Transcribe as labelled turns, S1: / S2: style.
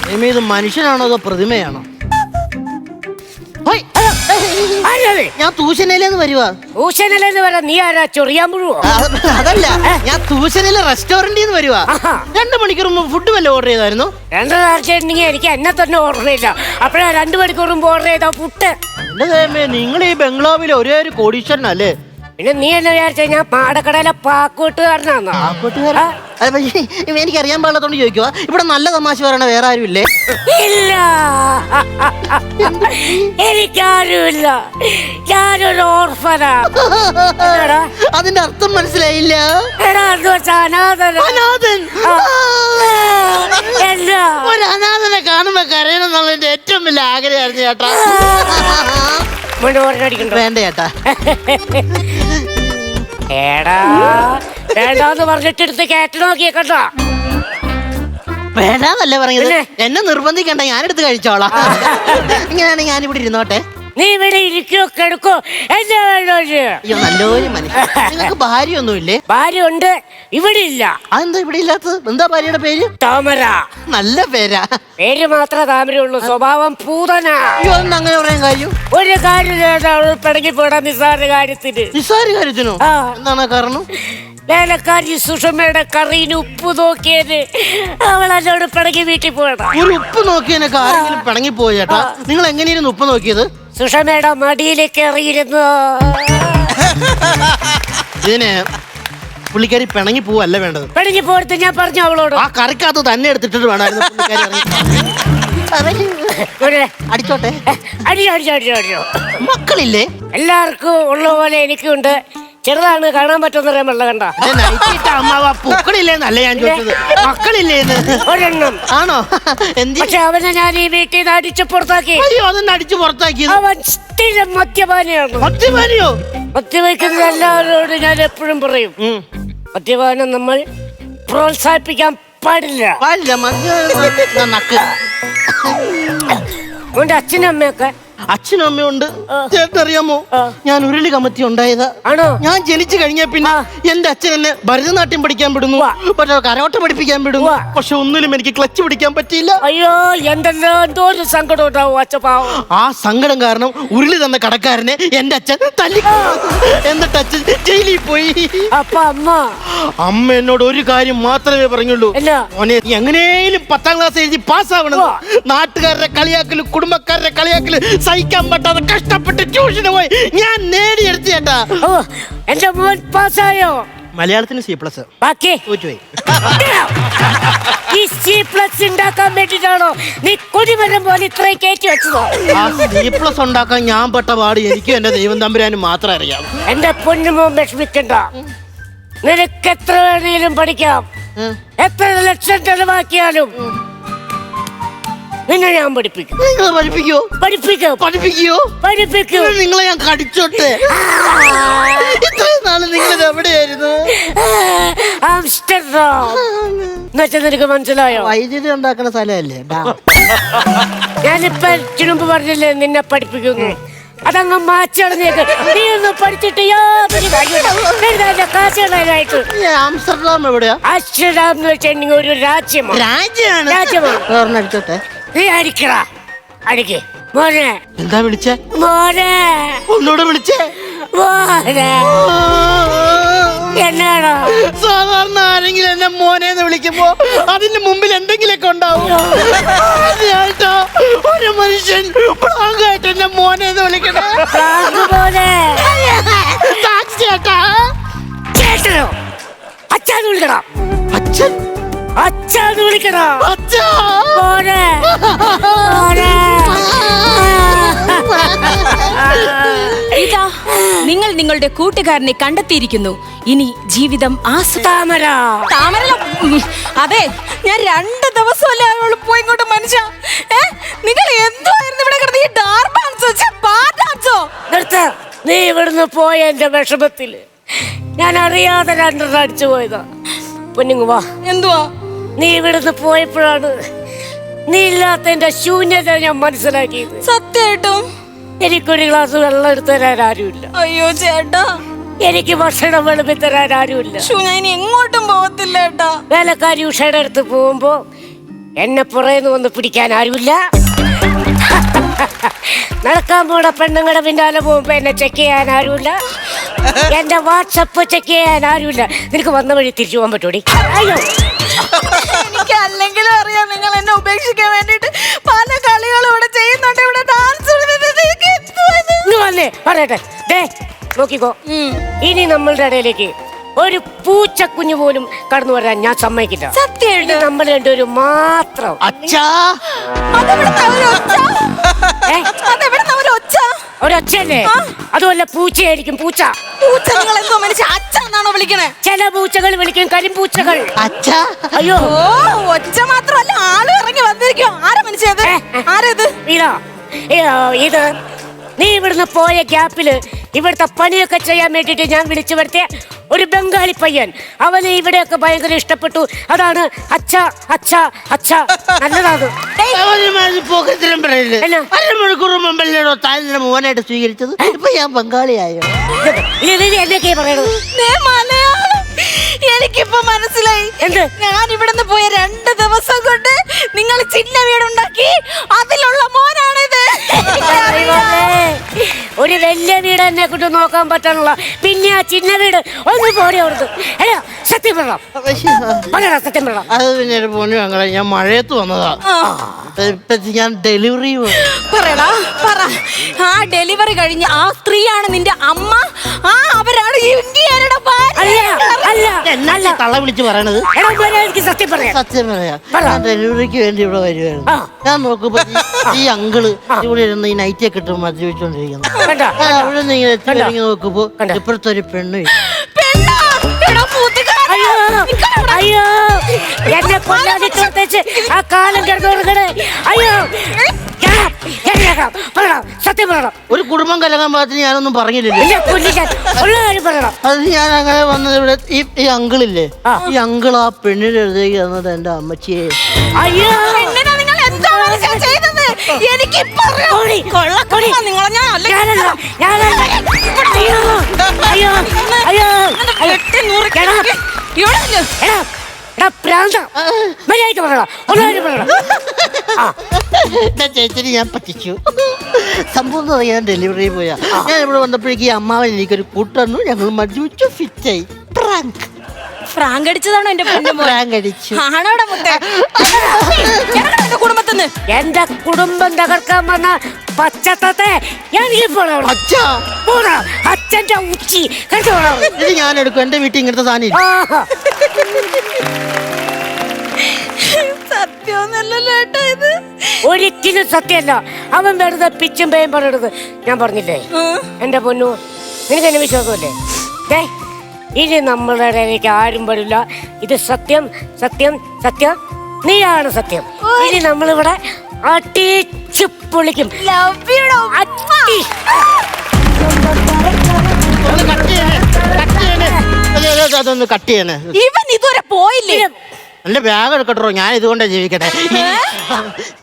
S1: ഇത് മനുഷ്യനാണോ അതോ പ്രതിമയാണോ? ഞാൻ തൂശനയിലേന്ന് വരുവാ.
S2: തൂശനയിലെന്ന് പറയാ നീ ആരാ? ചൊറിയാൻ പുഴുവോ?
S1: അതല്ല, ഞാൻ തൂശനയിലെ റെസ്റ്റോറന്റിൽ നിന്ന് വരുവാ. 2 മണിക്കൂർ മുമ്പ് ഫുഡ് വല്ല ഓർഡർ ചെയ്തായിരുന്നു?
S2: 2 നേരത്തേണ്ടെങ്കിൽ എനിക്ക് എന്നെ തന്നെ ഓർഡർ ചെയ്ത. അപ്പഴാ 2 മണിക്കൂർ മുമ്പ് ഓർഡർ ചെയ്ത പുട്ട്.
S1: നിങ്ങൾ ഈ ബംഗ്ലാവിലെ ഒരേ ഒരു കോടീശ്വരനല്ലേ?
S2: പിന്നെ നീ എന്നെ വിചാരിച്ച ഞാൻ പാടക്കടയിലെ പാക്കൂട്ടുകാരനാന്നോ?
S1: എനിക്കറിയാൻ പാടില്ലാത്തോണ്ട് ചോദിക്കുക. ഇവിടെ നല്ല തമാശ പറയണ വേറെ ആരും ഇല്ലേ?
S2: ഇല്ല, എനിക്കാരുമില്ല. ഞാനൊരു ഓർഫനാ.
S1: അതിന്റെ അർത്ഥം മനസ്സിലായില്ല.
S2: എടാ എന്ന് വെച്ചാ അനാഥൻ.
S1: ഒരു അനാഥനെ കാണുമ്പോ കരയണം എന്നുള്ളതിന്റെ ഏറ്റവും വലിയ ആഗ്രഹമായിരുന്നു ചേട്ടാ. വേണ്ട ചേട്ടാ.
S2: ഏടാ വേണ്ടാന്ന് പറഞ്ഞിട്ട് എടുത്ത് കയറ്റി നോക്കിയേ കണ്ടോ?
S1: വേണ്ടാന്നല്ലേ പറഞ്ഞത്. എന്നെ നിർബന്ധിക്കണ്ട, ഞാനെടുത്ത് കഴിച്ചോളാം. ഇങ്ങനെയാണെങ്കിൽ ഞാനിവിടെ ഇരുന്നോട്ടെ.
S2: നീ ഇവിടെ ഇരിക്കോ കിടക്കോ?
S1: അയ്യോ നല്ലൊരു മനുഷ്യൻ. നിങ്ങൾക്ക് ഭാര്യ ഒന്നുമില്ലേ?
S2: ഭാര്യ ഉണ്ട്, ഇവിടെ ഇല്ല.
S1: അതെന്താ ഇവിടെ ഇല്ലാത്തത്? എന്താ ഭാര്യയുടെ പേര്?
S2: താമര.
S1: നല്ല പേരാ.
S2: പേര് മാത്രമേ താമരയുള്ളൂ, സ്വഭാവം പൂതന.
S1: അയ്യോ എന്താ അങ്ങനെ പറയാൻ കാര്യം?
S2: ഒരു കാര്യം പിടങ്ങി പോടാ നിസ്സാര കാര്യത്തിന്.
S1: നിസ്സാര കാര്യത്തിനോ? എന്താണ് കാരണം?
S2: വേലക്കാരി സുഷമയുടെ കറിയിൽ ഉപ്പ് നോക്കിയത് അവൾ എന്നോട് പിടങ്ങി വീട്ടിൽ പോയതാ.
S1: ഒരു ഉപ്പ് നോക്കിയതിനൊക്കെ ആരെങ്കിലും പിണങ്ങി പോയി ചേട്ടാ? നിങ്ങൾ എങ്ങനെയായിരുന്നു ഉപ്പ് നോക്കിയത്?
S2: സുഷമയുടെ മടിയിലേക്ക് എറിയിരുന്നു.
S1: ഇതിന് പുള്ളിക്കാരി പിണങ്ങി പോവല്ല വേണ്ടത്.
S2: പിണങ്ങി പോയിട്ട് ഞാൻ പറഞ്ഞു അവളോട്
S1: ആ കറിക്കകത്ത് തന്നെ എടുത്തിട്ട് വേണമായിരുന്നു അടിച്ചോട്ടെ.
S2: അടിച്ചോ.
S1: മക്കളില്ലേ?
S2: എല്ലാവർക്കും ഉള്ള പോലെ എനിക്കുണ്ട്. ചെറുതാണ്, കാണാൻ പറ്റുന്ന വെള്ളം കണ്ട.
S1: പൂക്കളില്ലേന്നല്ല ഞാൻ ചോദിച്ചത്, മക്കളില്ലേന്ന്.
S2: ഒരെണ്ണം.
S1: ആണോ?
S2: പക്ഷെ അവനെ ഞാൻ ഈ വീട്ടിൽ നിന്ന് അടിച്ചു പുറത്താക്കി.
S1: അയ്യോ അതൊന്നും അടിച്ചു പുറത്താക്കിയത്?
S2: അവൻ സ്ഥിരം മദ്യപാനിയാണ്.
S1: മദ്യപാനിയോ?
S2: മദ്യപിക്കുന്ന എല്ലാവരോടും ഞാൻ എപ്പോഴും പറയും, മദ്യപാനം നമ്മൾ പ്രോത്സാഹിപ്പിക്കാൻ പാടില്ല. അവന്റെ അച്ഛനും അമ്മയൊക്കെ?
S1: അച്ഛനും അമ്മയുണ്ട്. ചേട്ടനറിയാമോ, ഞാൻ ഉരുളി കമത്തി ഉണ്ടായതാ.
S2: ആണോ?
S1: ഞാൻ ജനിച്ചു കഴിഞ്ഞ പിന്നെ എന്റെ അച്ഛൻ എന്നെ ഭരതനാട്യം പഠിക്കാൻ വിടുന്നു, പക്ഷെ കരോട്ട പഠിപ്പിക്കാൻ വിടുന്നു. പക്ഷെ ഒന്നിലും എനിക്ക് ക്ലച്ച് പിടിക്കാൻ പറ്റിയില്ല.
S2: അയ്യോ എന്തെല്ലോ എന്തോ ഒരു സങ്കടം ഉണ്ടാവും അച്ഛപ്പാവും.
S1: ആ സങ്കടം കാരണം ഉരുളി തന്ന കടക്കാരനെ എന്റെ അച്ഛൻ തല്ലി. എന്നിട്ട് അച്ഛൻ ജയിലിൽ പോയി.
S2: അപ്പൊ
S1: അമ്മ എന്നോട് ഒരു കാര്യം മാത്രമേ പറഞ്ഞുള്ളൂ, മോനെ നീ എങ്ങനെയും 10ാം ക്ലാസ് എഴുതി പാസ്സാവണം. നാട്ടുകാരുടെ കളിയാക്കല്, കുടുംബക്കാരുടെ കളിയാക്കല് സഹിക്കാൻ പറ്റാതെ കഷ്ടപ്പെട്ട് ട്യൂഷന് പോയി ഞാൻ നേടിയെടുത്ത ചേട്ടാ.
S2: എന്റെ മോൻ പാസ്സായോ?
S1: മലയാളത്തിന് C+.
S2: ബാക്കി ഈ C+ ഉണ്ടാക്കാൻ വേണ്ടിട്ടാണോ നീ കൊടിമരം പോലെ ഇത്രയും കയറ്റി വെച്ചതോ?
S1: ആ C+ ഉണ്ടാക്കാൻ ഞാൻ പെട്ട പാട് എനിക്കും എന്റെ ദൈവം തമ്പുരാനും മാത്രം അറിയാം.
S2: എന്റെ പൊന്നുമോൻ വിഷമിക്കണ്ട, നിനക്ക് എത്ര വേണേലും പഠിക്കാം. എത്ര ലക്ഷം ചെലവാക്കിയാലും നിന്നെ ഞാൻ പഠിപ്പിക്കും.
S1: നിങ്ങളെ ഞാൻ കടിച്ചോട്ടെ. ഇത്രയും നാള് നിങ്ങൾ എവിടെയായിരുന്നു?
S2: എന്നുവെച്ചാ നിനക്ക് മനസ്സിലായോ?
S1: വൈദ്യുതി ഉണ്ടാക്കുന്ന സ്ഥലമല്ലേ?
S2: ഞാനിപ്പോ മുമ്പ് പറഞ്ഞില്ലേ നിന്നെ പഠിപ്പിക്കുന്നു, അതങ്ങ് മാച്ചടഞ്ഞേക്ക്. നീ ഒന്ന് പഠിച്ചിട്ട് കാശുകളായിട്ട്.
S1: ആംസ്റ്റർഡാം എവിടെയാ?
S2: ആംസ്റ്റർഡാം എന്ന് വെച്ചിട്ടുണ്ടെങ്കിൽ ഒരു രാജ്യമാണ്.
S1: അടിച്ചോട്ടെ.
S2: നീ അടിക്കടാ, അടിക്ക് മോനെ.
S1: എന്താ വിളിച്ചേ?
S2: മോനെ.
S1: ഒന്നൂടെ വിളിച്ചേ?
S2: മോനെ. എന്നാണോ?
S1: സാധാരണ ആരെങ്കിലും എന്നെ മോനെന്ന് വിളിക്കുമ്പോ അതിന്റെ മുമ്പിൽ എന്തെങ്കിലുമൊക്കെ ഉണ്ടാവും. ഒരു മനുഷ്യൻ പ്രാങ്കായിട്ട് എന്നെ മോനെന്ന് വിളിക്കണം.
S2: ചേട്ടനോ? അച്ഛാന്ന് വിളിക്കണം.
S1: അച്ഛൻ?
S2: അച്ഛാന്ന് വിളിക്കണം.
S3: ഇതാ നിങ്ങൾ നിങ്ങളുടെ കൂട്ടുകാരനെ കണ്ടെത്തിയിരിക്കുന്നു. ഇനി ജീവിതം
S2: താമര.
S3: അതെ, ഞാൻ 2 ദിവസമല്ലേ അവള് പോയി ഇങ്ങോട്ട്. മനുഷ്യ നിങ്ങൾ എന്തുവായിരുന്നു ഇവിടെ കിടന്ന് ഈ ഡാൻസോ?
S2: നീ ഇവിടുന്ന് പോയ എന്റെ വിഷമത്തില് ഞാൻ അറിയാതെ 2 അടിച്ചു പോയതാ. പൊന്നുങ്ങ വാ.
S3: എന്തുവാ?
S2: നീ ഇവിടുന്ന് പോയപ്പോഴാണ് നീ ഇല്ലാത്തതിന്റെ ശൂന്യത ഞാൻ മനസ്സിലാക്കിയത്.
S3: സത്യമായിട്ടും
S2: എനിക്കൊരു ഗ്ലാസ് വെള്ളം എടുത്തു തരാൻ ആരുമില്ല.
S3: അയ്യോ ചേട്ടാ,
S2: എനിക്ക് ഭക്ഷണം വിളമ്പി തരാൻ ആരുമില്ല.
S3: ഞാൻ എങ്ങോട്ടും പോകത്തില്ല ഏട്ടാ.
S2: വേലക്കാരി ഉഷയുടെ അടുത്ത് പോകുമ്പോ എന്നെ പുറയുന്നു വന്ന് പിടിക്കാൻ ആരുമില്ല. നടക്കാൻ പോണ പെണ്ണുങ്ങളുടെ പിന്നാലെ പോകുമ്പോ എന്നെ ചെക്ക് ചെയ്യാൻ ആരുമില്ല. എന്റെ വാട്സപ്പ് ചെക്ക് ചെയ്യാൻ ആരുമില്ല. നിനക്ക് വന്ന വഴി തിരിച്ചു പോകാൻ പറ്റൂടി? അയ്യോ,
S3: എനിക്ക് അല്ലെങ്കിലും അറിയാം നിങ്ങൾ എന്നെ ഉപേക്ഷിക്കാൻ വേണ്ടിട്ട് പല കളികളും ഇവിടെ ചെയ്യുന്നുണ്ട്. ഇവിടെ ഡാൻസ്
S2: വന്നേ പറയട്ടെ. ദേ നോക്കിക്കോ, ഇനി നമ്മളുടെ ഇടയിലേക്ക് ഒരു പൂച്ചക്കുഞ്ഞു പോലും കടന്നു വരാൻ ഞാൻ സമ്മതിക്കില്ല.
S3: സത്യമായിട്ട്
S2: നമ്മൾ രണ്ടുപേരും മാത്രം.
S1: അച്ഛാ,
S2: ഒരൊച്ചല്ലേ? അതുമല്ല, പൂച്ചയായിരിക്കും. പൂച്ച
S3: നിങ്ങൾ എന്തോ മനുഷ്യ അച്ഛനാണോ വിളിക്കണേ?
S2: ചില പൂച്ചകൾ വിളിക്കും കരിമ്പൂച്ചകൾ.
S1: അച്ഛാ.
S2: അയ്യോ,
S3: ഓ ഒച്ച മാത്രമല്ല, ആള് ഇറങ്ങി വന്നിരിക്കും. ആരാ മനുഷ്യത്? ആരത്?
S2: ഇതാ ഇത് നീ ഇവിടുന്ന് പോയ ഗ്യാപ്പില് ഇവിടുത്തെ പണിയൊക്കെ ചെയ്യാൻ വേണ്ടിട്ട് ഞാൻ വിളിച്ചു വരുത്തിയ ഒരു ബംഗാളി പയ്യൻ. അവന് ഇവിടെയൊക്കെ ഭയങ്കര ഇഷ്ടപ്പെട്ടു. അതാണ് അച്ഛ അച്ഛ അച്ഛ. നല്ലതാണ്.
S1: പോക്കത്തിലും പറയില്ലേ, അരമണിക്കൂർ മുമ്പല്ലോ താൻ മോനായിട്ട് സ്വീകരിച്ചത്. ഇപ്പൊ ഞാൻ ബംഗാളിയായോ?
S2: എന്നൊക്കെ പറയണത്?
S3: എനിക്കിപ്പോ മനസ്സിലായി.
S2: എന്ത്?
S3: ഞാൻ ഇവിടുന്ന് പോയ 2 ദിവസം കൊണ്ട് നിങ്ങൾ ചിന്ന വീടുണ്ടാക്കി അതിലുള്ള മോനാണിത്.
S2: ഒരു വലിയ വീട് എന്നെ കൊണ്ട് നോക്കാൻ പറ്റാനുള്ള പിന്നെ ആ ചിന്ന വീട് ഒന്ന് പോടി അവിടുന്ന്. അല്ല, സത്യം പറയണം. സത്യം പറയണം.
S1: അത് പിന്നെ പൊന്നു ഞങ്ങളെ, ഞാൻ മഴയത്ത് വന്നതാ. ഞാൻ ഡെലിവറി
S3: പറയടാ പറ. ആ ഡെലിവറി കഴിഞ്ഞ ആ സ്ത്രീയാണ് നിന്റെ അമ്മ. ആ അവരാണ് ഇന്ത്യയുടെ
S1: തള്ള വിളിച്ച് പറയണത്.
S2: സത്യം പറയാം.
S1: സത്യം പറയാ, ഞാൻ ഡെലിവറിക്ക് വേണ്ടി ഇവിടെ വരുവായിരുന്നു. ഞാൻ നോക്കുമ്പോ ഈ അങ്കിള് ഇവിടെ ഇരുന്ന് ഈ നൈറ്റൊക്കെ ഇട്ട് മദ്യപിച്ചോണ്ടിരിക്കുന്നു. അവിടെ നിന്ന് ഇങ്ങനെ എത്തി നോക്കുമ്പോ ഇപ്പഴത്തെ ഒരു പെണ്ണ്.
S2: അയ്യോ, എന്നെ കൊല്ലാതിട്ട് ആ കാലം കിടന്നു കൊടുക്കണേ. അയ്യോ, സത്യം പറയണം.
S1: ഒരു കുടുംബം കലങ്ങാൻ പാകത്തിന് ഞാനൊന്നും പറഞ്ഞില്ലല്ലോ.
S2: ഉള്ള കാര്യം പറയണം.
S1: അത് ഞാൻ അങ്ങനെ വന്നത് ഇവിടെ ഈ അങ്കിളില്ലേ, ഈ അങ്കിൾ ആ പെണ്ണിന്റെ അടുത്തേക്ക് തന്നത് എന്റെ അമ്മച്ചിയെ.
S2: അയ്യോ,
S1: ചേച്ചി ഞാൻ പറ്റിച്ചു. സംഭവം എന്ന് പറയാൻ ഡെലിവറി പോയാ ഞാൻ ഇവിടെ വന്നപ്പോഴേക്ക് ഈ അമ്മാവൻ എനിക്കൊരു കൂട്ടന്നു. ഞങ്ങൾ മദ്യപിച്ചു, ഫിറ്റായി.
S3: ഫ്രാങ്ക് അടിച്ചതാണോ എന്റെ
S1: ഫ്രാങ്ക് അടിച്ചു?
S3: കുടുംബത്തിന്ന്
S2: എന്റെ കുടുംബം തകർക്കാൻ വന്ന പച്ചത്തത്തെ അച്ഛന്റെ ഉച്ചി
S1: ഇത് ഞാൻ എടുക്കും. എന്റെ വീട്ടിൽ ഇങ്ങനത്തെ സാധനം
S3: സത്യമൊന്നല്ലല്ലോ ഏട്ടാ ഇത്.
S2: ഒരിക്കലും സത്യമല്ല. അവൻ വെറുതെ പിച്ചും പേയും പറയരുത്. ഞാൻ പറഞ്ഞില്ലേ എന്റെ പൊന്നു, നിനക്ക് എന്നെ വിശ്വാസമല്ലേ? ഇനി നമ്മളുടെ ഇടയിലേക്ക് ആരും വരില്ല. ഇത് സത്യം സത്യം സത്യം. നീയാണ് സത്യം. ഇനി നമ്മളിവിടെ അടിച്ചു പൊളിക്കും.
S1: അതൊന്ന് കട്ട് ചെയ്യണേ.
S3: ഇവൻ ഇതുവരെ പോയില്ലേ?
S1: എന്റെ ബാഗ് എടുക്കട്ടോ, ഞാൻ ഇതുകൊണ്ടാ ജീവിക്കട്ടെ.